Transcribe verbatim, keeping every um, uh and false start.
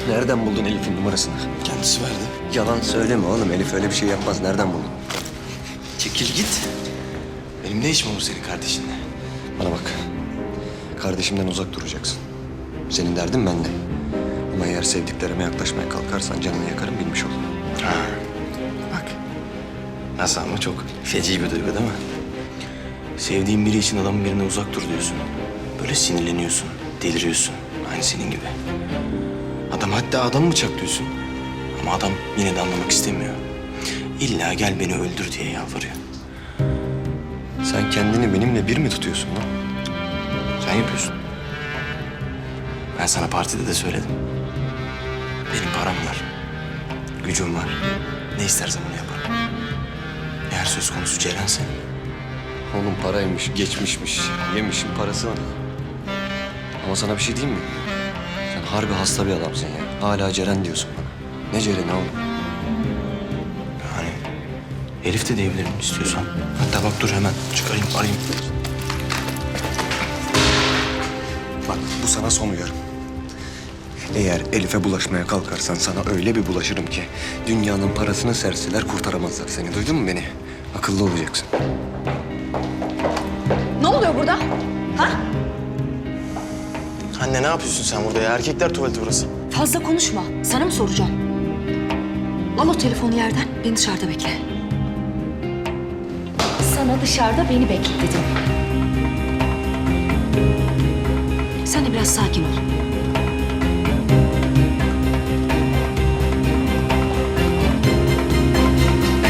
Nereden buldun Elif'in numarasını? Kendisi verdi. Yalan söyleme oğlum. Elif öyle bir şey yapmaz. Nereden buldun? Çekil git. Benim ne işim olur senin kardeşinle? Bana bak. Kardeşimden uzak duracaksın. Senin derdin bende. Ama eğer sevdiklerime yaklaşmaya kalkarsan canını yakarım, bilmiş ol. Ha. Bak. Nasıl ama çok feci bir duygu değil mi? Sevdiğin biri için adamın birine uzak dur diyorsun. Böyle sinirleniyorsun, deliriyorsun. Aynı senin gibi. Adam hatta adamı bıçaklıyorsun. Ama adam yine de anlamak istemiyor. İlla gel beni öldür diye yalvarıyor. Sen kendini benimle bir mi tutuyorsun lan? Sen yapıyorsun. Ben sana partide de söyledim. Benim param var. Gücüm var. Ne istersem onu yaparım. Eğer söz konusu Ceren'se Oğlum paraymış, geçmişmiş. Yemişim parasını. Ama sana bir şey diyeyim mi? Sen harbi hasta bir adamsın ya. Hala Ceren diyorsun bana. Ne Ceren'i oğlum? yani Elif de diyebilirim istiyorsan. Hatta bak dur hemen çıkarayım arayayım. Bak bu sana son uyarım. Eğer Elif'e bulaşmaya kalkarsan sana öyle bir bulaşırım ki... ...dünyanın parasını serseler kurtaramazlar seni. Duydun mu beni? Akıllı olacaksın. Ne oluyor burada? Ha? Anne ne yapıyorsun sen burada ya? Erkekler tuvaleti burası. Fazla konuşma. Sana mı soracağım? Al o telefonu yerden. Beni dışarıda bekle. Sana dışarıda beni bekle dedim. Sen de biraz sakin ol.